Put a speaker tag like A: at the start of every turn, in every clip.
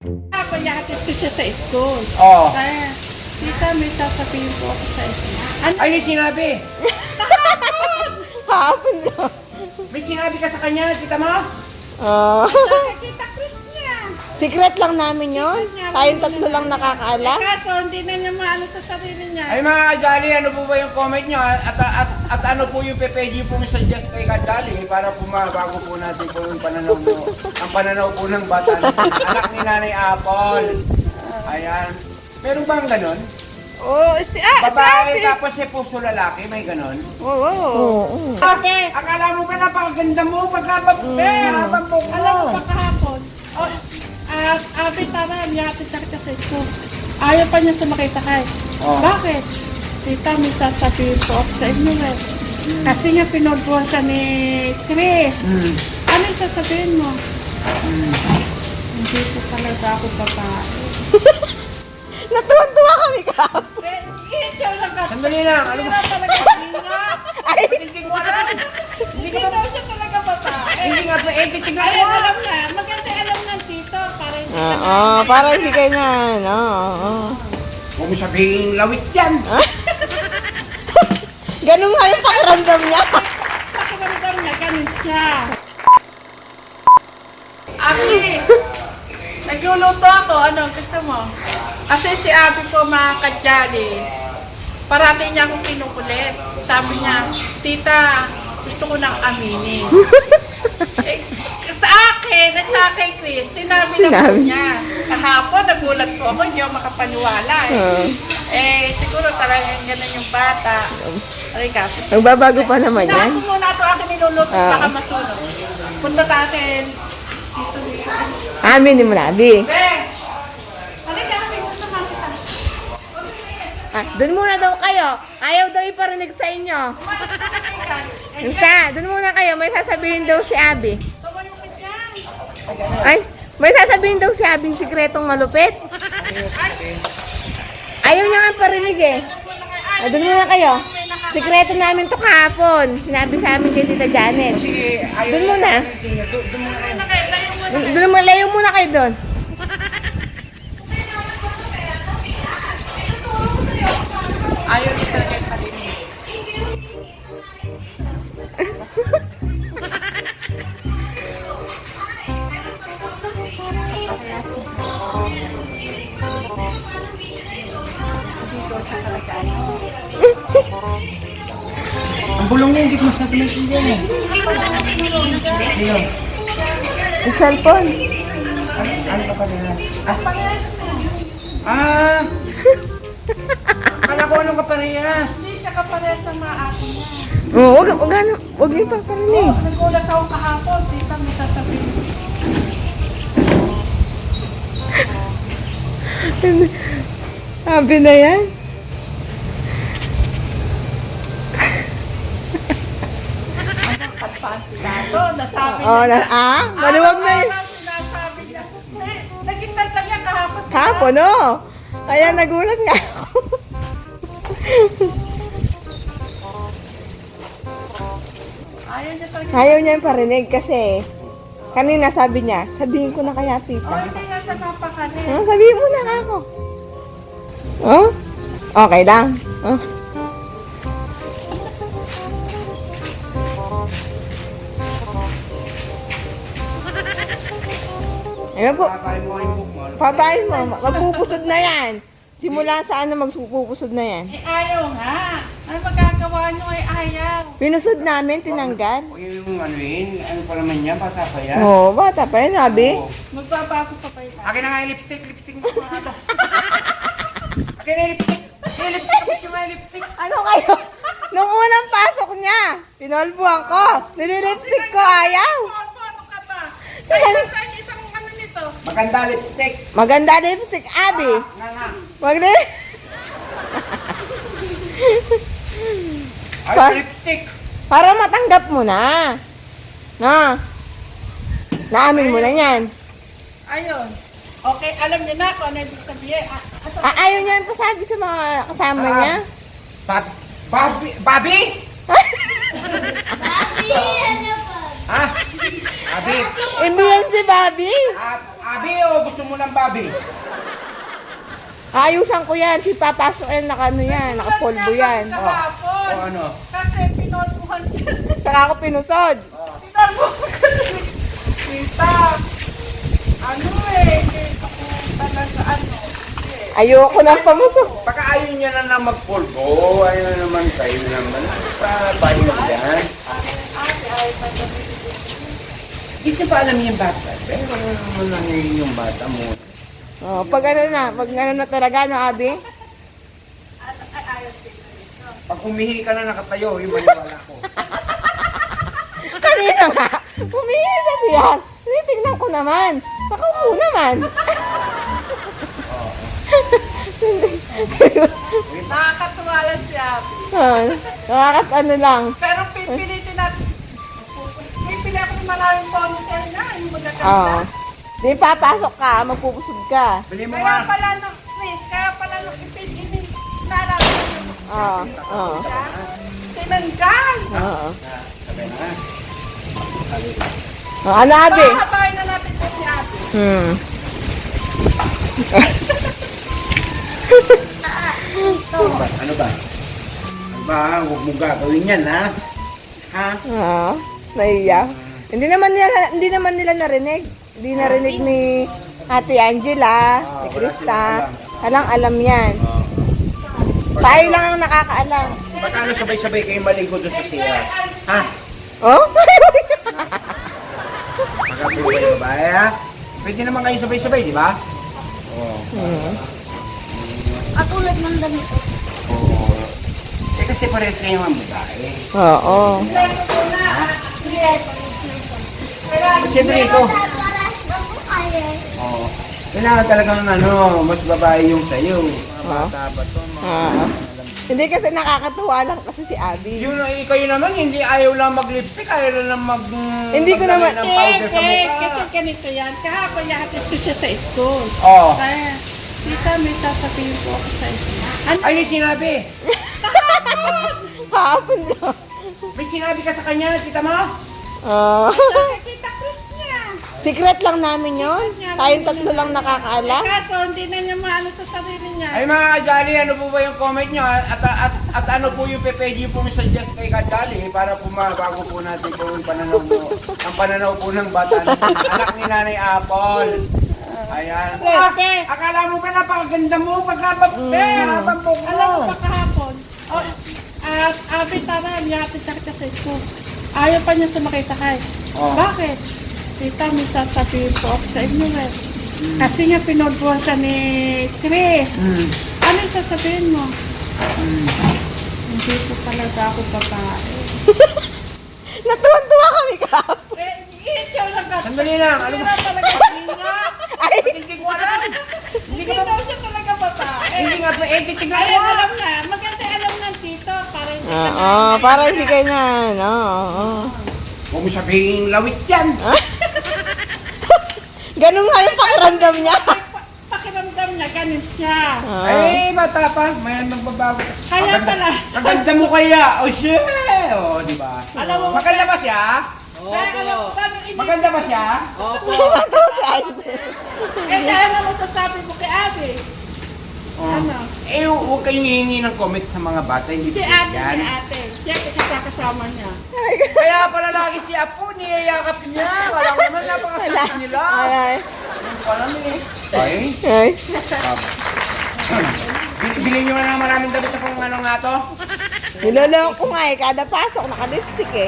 A: Ako, yahatid ko siya sa school.
B: Oo.
A: Kaya, tita, may sasabihin po ako sa school. Ano?
B: Ay, may sinabi.
C: Hapon lang.
B: May sinabi ka sa kanya, kita mo?
C: Ah.
A: Kita Chris niya.
C: Secret lang namin yun. Tayong tatlo lang nakakaalam.
A: Kaso, hindi na niya maano sa sarili niya.
B: Ay mga Kajali, ano po ba yung comment nyo? At ano po yung pwede pong suggest kay Kajali para po mabago po natin po yung pananaw mo. Ang pananaw po ng bata natin. Anak ni Nanay Apple. Ayan. Meron bang ganon?
A: Oo,
B: Babae tapos si puso lalaki, may ganon?
A: Oo.
C: Oo.
A: Sabi,
B: Akala mo ba napakaganda mo habang po
A: alam mo ba kahapon? Oh, abi, tara, yahatid na kita sa school. Ayaw pa niya sumakay sakay.
B: Oh.
A: Bakit? Tita, may sasabihin po ako sa inyo eh. Kasi nga pinagbuhan siya ni Chris. Ano yung sasabihin mo? Hindi po talaga ako babae.
C: Natuwan-tuwa kami kahapon.
A: Ikaw lang kasi.
B: Sandali lang, ano ba?
A: Talaga.
C: Ay,
B: Hindi ko alam.
A: Hindi daw siya talaga babae.
B: Hindi nga po, tingnan
A: Ayun,
B: mo.
A: alam na. Maganda alam ng tito. Para hindi ka
C: Oo, para hindi kayo na, ano. Oo.
B: Huwag mo sabihin lawit yan.
C: Ganun nga yung pakiramdam niya.
A: pakiramdam na ganun siya. Abi, nagluluto ako. Ano, gusto mo? Kasi si Abi po mga kadyali, parating niya akong kinukulit. Sabi niya, tita, gusto ko nang aminin. eh, sa akin at sa kay Chris, sinabi na po niya. Kahapon, nagulat po ako, hindi ako makapaniwala siguro talagang ganun yung bata. Aray ka.
C: Magbabago pa naman yan.
A: Ako muna ito akin niluluto, baka masunog. Punta sa akin. Dito.
C: Amin mo na, Abi.
A: Be! Halika, kami gusto makita.
C: Doon muna daw kayo. Ayaw daw iparinig sa inyo. Basta, doon muna kayo. May sasabihin daw si Abi. Ay, may sasabihin daw si Abi sikretong malupit. Ayaw niya nga parinig eh. Doon muna kayo. Sikreto namin to kahapon. Sinabi sa amin kay Tita Janet.
B: Sige, ayaw.
C: Doon muna.
B: Doon muna kayo.
C: Doon muna, layo muna kayo doon.
A: Ayaw niya talaga yung sarili.
B: Ang bulong niya, hindi ko masyado maintindihan eh. Ayun.
C: Yung cellphone.
B: Ano ka pa nila? Ah! Akala ko anong kaparehas.
A: Hindi siya kaparehas ng mga ate niya.
C: Oo, wag niyo pa parinig.
A: Nagulat ako kahapon, tita, may sasabihin.
C: Abi na yan.
A: Ito, nasabi
C: Oh, maluwag na yun.
A: Sinasabi niya. Nag-start lang niya kahapon.
C: Kahapon, no? Kaya nagulat nga ako.
A: Ayaw niya talaga.
C: Ayaw niya yung parinig kasi kanina sabi niya, sabihin ko na kaya tita.
A: Hindi nga siya mapakanin.
C: Sabihin mo na ako. Oh? Okay lang. Oh. Ayun po,
B: Kakain mo yung book mo.
C: pabayin mo, magpupusod na yan. Simula sa ano magpupusod na yan.
A: Ayaw nga. Ano magagawa niyo ay ayaw.
C: Pinusod namin, tinanggal.
B: O yung ano yun, ano pa naman yan, bata pa yan.
C: Oo, bata pa yun, sabi.
B: Oo.
A: Magbabago pa pa yun.
B: Akin na nga yung lipstick mo mga ito. Akin na yung lipstick. Yung lipstick, kapit yung mga lipstick.
C: Ano kayo? Nung unang pasok niya, pinolbuhan ko. Nililipstick ko, ayaw.
A: Ano ka ba? Ay, nasaan yung isang ano nito?
B: Maganda lipstick.
C: Maganda lipstick, Abi.
B: Nga.
C: Maganda.
B: Ay,
C: Pa-
B: lipstick.
C: Para matanggap mo na. Na. Naamin mo na yan.
A: Ayun. Okay, alam niyo na kung ano ibig sabihin.
C: Ayaw niya yung pasabi sa mga kasama niya.
B: Bobby? Bobby?
D: Papi, ano po?
B: Ha? Bobby?
C: Hindi yan si Bobby.
B: Abi o gusto mo ng babi?
C: Ayusan ko yan. Papasok yan, ano yan, nakapolvo yan.
A: Kahapon.
B: O ano?
A: Kasi pinolbuhan siya.
C: Saka ako pinusod.
A: Pinolbuhan kasi ni Tita. Ano hindi ako talaga
C: Ayoko ng pamusok.
B: Baka ayaw niya na magpulbo. Ayaw na naman kayo naman. Paano yan? Hindi niya pa alam yung bata. Pero naman lang yung bata mo.
C: Oh, pag ano na talaga, no, Abi?
B: Pag umihi ka na nakatayo, yung maniwala ko.
C: Kanina nga, humihi sa siyan. Tingnan ko naman. Pakaupo naman.
A: Nakakatuwa lang si Abby.
C: Ano lang.
A: Pero pipilitin natin. Pipili ako ng maraming ponytail na. Yung
C: Oo.
A: magaganda.
C: Di papasok ka, magpupusod ka.
B: Bili mo
A: Kaya
B: nga.
A: pala nung Chris, kaya pala nung ipin nararamdaman mo
C: Oo. Oo.
A: siya. Tinanggal.
C: Oo.
B: Sabay na nga.
C: Ano, Abi?
A: Pahabain na natin po si Abby.
B: Ano ba? Ano ba? Huwag mo gagawin yan, ha? Ha?
C: Oo. Naiya. Hindi naman nila narinig. Hindi narinig ni Ate Angela, ni Krista. Alam yan. Tayo lang ang nakakaalam.
B: Baka ano sabay-sabay kayo maligo doon sa siya? Ha?
C: Oh?
B: Baka po kayo babae, ha? Pwede naman kayo sabay-sabay, di ba? Oo.
A: At ulit ng damit.
B: Oo. Eh kasi parehas kayo ang babae.
C: Oo.
B: Siyempre ito. Oo. Kailangan talagang ano, mas babae yung sa'yo. Mga bata ba to?
C: Hindi kasi nakakatuwa lang kasi si Abby.
B: Yun, kayo naman, hindi ayaw lang mag-lipstick, ayaw lang
C: Hindi ko naman-
B: ng powder sa mukha.
A: Kasi ganito yan. Kahapon yahatid ko siya sa school.
B: Oo.
A: Kaya, Tita, may sasabihin po ako sa school. Ano?
B: Ay, may sinabi.
C: Hapon lang.
B: May sinabi ka sa kanya, kita mo?
C: Oh.
A: Nakakita Chris niya.
C: Secret lang namin yon. Tayong tatlo lang nakakaalam.
A: Kaso, hindi na niya maano sa sarili niya.
B: Ay mga kajali, ano po ba yung comment nyo? At ano po yung pwede pong suggest kay kajali para po mabago po natin po yung pananaw mo. Ang pananaw po ng bata natin. Anak ni Nanay Apple. Ayan.
A: Pepe.
B: Akala mo ba napakaganda mo? Pagkabambok mo.
A: Alam mo pa kahapon, at Abby, tara, yahatid na kita sa school. Ayaw pa niya sumakay-sakay.
B: Oh.
A: Bakit? Tita, may sasabihin po ako sa inyo eh. Kasi nga pinodbuhan siya ni Chris. Ano yung sasabihin mo? Hindi po talaga ako babae.
C: Natuwan-tuwa kami kahapon.
A: Ikaw lang ka.
B: Sandali lang. Ano ba?
A: talaga.
B: Ay, hindi ko alam.
A: Hindi daw siya talaga babae.
B: Hindi nga, tignan
A: Ayun,
B: ko.
A: alam na. Maganda alam ng tito. Para hindi ka
C: Oo, para hindi kayo na, oo.
B: Huwag mo sabihin lawit yan.
C: Ganun nga yung pakiramdam niya.
A: pakiramdam niya, ganun siya.
B: Ay, bata pa. May magbabago.
A: Kaya pala.
B: Maganda mo kaya. O siya. O, di ba?
A: Alam mo,
B: Maganda ba siya?
A: Kaya alam mo, sabi ini.
B: Maganda ba siya?
C: Natawa si Angel.
A: Kaya ano masasabi mo kay Abby? Ano?
B: Eh, huwag kayong hihingi ng comment sa mga bata. Hindi
A: Si
B: po
A: ate,
B: yan.
A: si ate. Siya kasama niya.
B: Kaya pala lagi si Apo, niyayakap niya. Wala ko naman, napakasakit nila.
C: Ay,
B: Alam eh. Ay.
C: ay.
B: Bilhin nyo na ng maraming damit na pang ano nga to.
C: Niloloko ko nga eh. Kada pasok, naka-lipstick eh.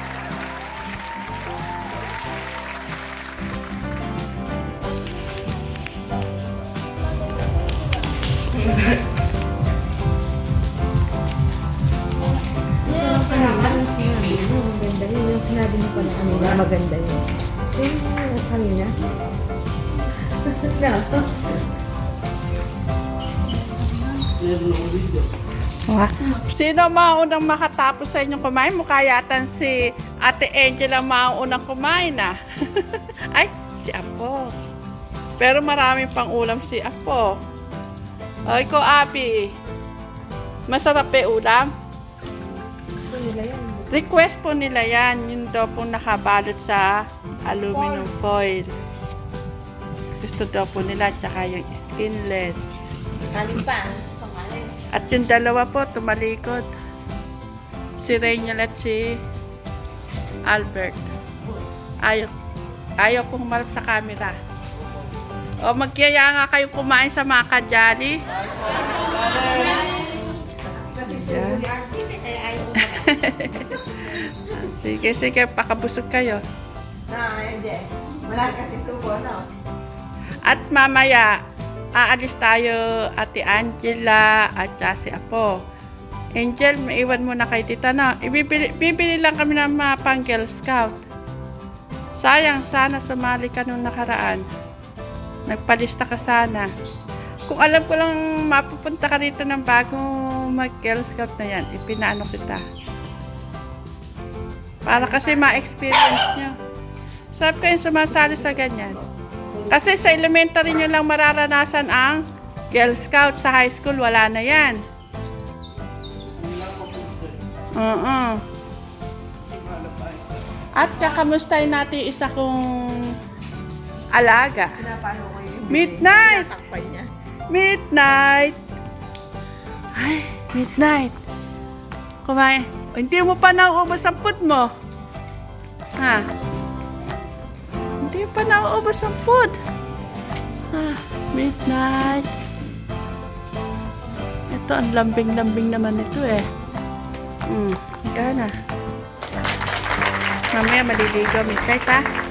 C: Maganda yun. Yung sinabi mo pala kanina, maganda yun. Yung kanina.
A: Sino maunang makatapos sa inyong kumain? Mukha yatan si Ate Angela maunang kumain ah. Ay, si Apo. Pero marami pang ulam si Apo. O, ikaw, Abby. Masarap pa ulam? Request po nila yan. Yun daw po nakabalot sa aluminum foil. Gusto daw po nila, tsaka yung skinless.
C: Kanin pa. Pangalan.
A: At yung dalawa po, tumalikod. Si Rainiel at si Albert. Ayaw pong marap sa camera. O, magyaya nga kayong kumain sa mga kajali.
C: Kasi subo ni Ate, kaya ayaw ko.
A: Sige, sige, pakabusog kayo.
C: Jess. Malaki kasi subo, no?
A: At mamaya, aalis tayo, Ate Angela at saka si Apo. Angel, maiwan muna kay tita na. Bibili lang kami ng mga pang Girl Scout. Sayang, sana sumali ka nung nakaraan. Nagpalista ka sana. Kung alam ko lang mapupunta ka rito ng bagong mag-Girl Scout na yan, ipinaano kita. Para kasi ma-experience nyo. Sabi ko yung sumasali sa ganyan. Kasi sa elementary nyo lang mararanasan ang Girl Scout. Sa high school, wala na yan. Oo. At kakamustahin natin yung isa kong alaga.
C: Pinapano ko yung
A: Midnight!
C: tinatakpan niya.
A: Midnight! Ay, midnight. Kumain. O, hindi mo pa nauubos ang food mo. Ha? Hindi pa nauubos ang food. Ah, midnight. Ito, ang lambing-lambing naman ito eh. Ika na. Mamaya maliligo, midnight ha.